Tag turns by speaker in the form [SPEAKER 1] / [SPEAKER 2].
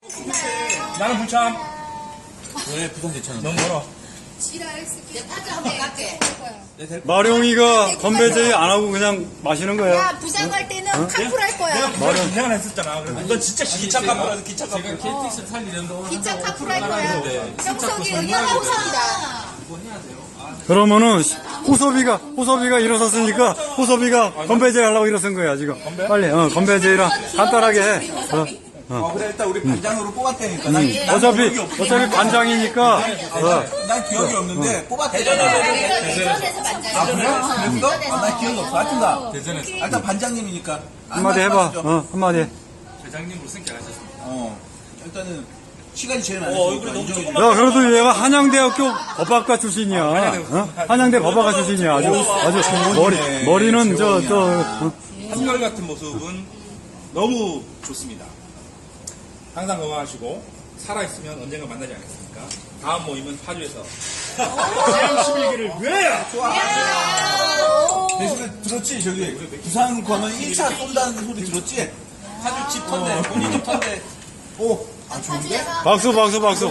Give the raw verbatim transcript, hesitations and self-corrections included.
[SPEAKER 1] 나는 부참.
[SPEAKER 2] 왜 부산 괜찮아?
[SPEAKER 1] 너무 멀어.
[SPEAKER 3] 마룡이가 건배제의 안 하고 그냥 마시는 거야.
[SPEAKER 4] 야, 부산 갈 때는 카풀 할 거야.
[SPEAKER 1] 내가 부산 기생을 했었잖아. 그래서 넌 진짜 기차 카풀 기차 카풀.
[SPEAKER 2] 제가 케이티엑스 살리려면
[SPEAKER 4] 기차 카풀 할 거야. 정석이 의견 호섭이다.
[SPEAKER 3] 그러면은 호섭이가 호섭이가 일어섰으니까 호섭이가 건배제 하려고 일어선 거야 지금. 빨리 어 건배제랑 간단하게 해. 어.
[SPEAKER 2] 어, 그래 일단 우리 반장으로 뽑았다니까. 난, 난
[SPEAKER 3] 어차피
[SPEAKER 2] 기억이 없-
[SPEAKER 3] 어차피 관장이니까. 어.
[SPEAKER 2] 난 기억이 없는데 뽑았대.
[SPEAKER 4] 대전에서 만나요.
[SPEAKER 2] 아 그래? 그랬어? 아, 난 기억이 없어. 하여튼 나
[SPEAKER 1] 대전에서.
[SPEAKER 2] 아, 일단 반장님이니까
[SPEAKER 3] 한마디 해봐.
[SPEAKER 2] 말씀하시죠.
[SPEAKER 3] 어 한마디. 해.
[SPEAKER 1] 회장님으로 승계하셨습니다.
[SPEAKER 2] 어 일단은 시간이 제일
[SPEAKER 1] 어,
[SPEAKER 2] 많으니까
[SPEAKER 1] 얼굴이 너무
[SPEAKER 2] 인정해
[SPEAKER 1] 조그맣-
[SPEAKER 3] 야 그래도 얘가 한양대학교 법학과 출신이야. 어? 한양대 법학과 출신이야. 아주 아주 머리 머리는 저저 어?
[SPEAKER 1] 한결같은 모습은 너무 좋습니다. 항상 건강하시고 살아있으면 언젠가 만나지 않겠습니까? 다음 모임은 파주에서 제십일 기를 위하여!
[SPEAKER 2] 대신에 들었지? 저기 부산 가면 일 차 쏜다는 소리 들었지?
[SPEAKER 1] 파주 집 턴데, 본인 집 턴데.
[SPEAKER 2] 오, 아 좋은데?
[SPEAKER 3] 박수 박수 박수.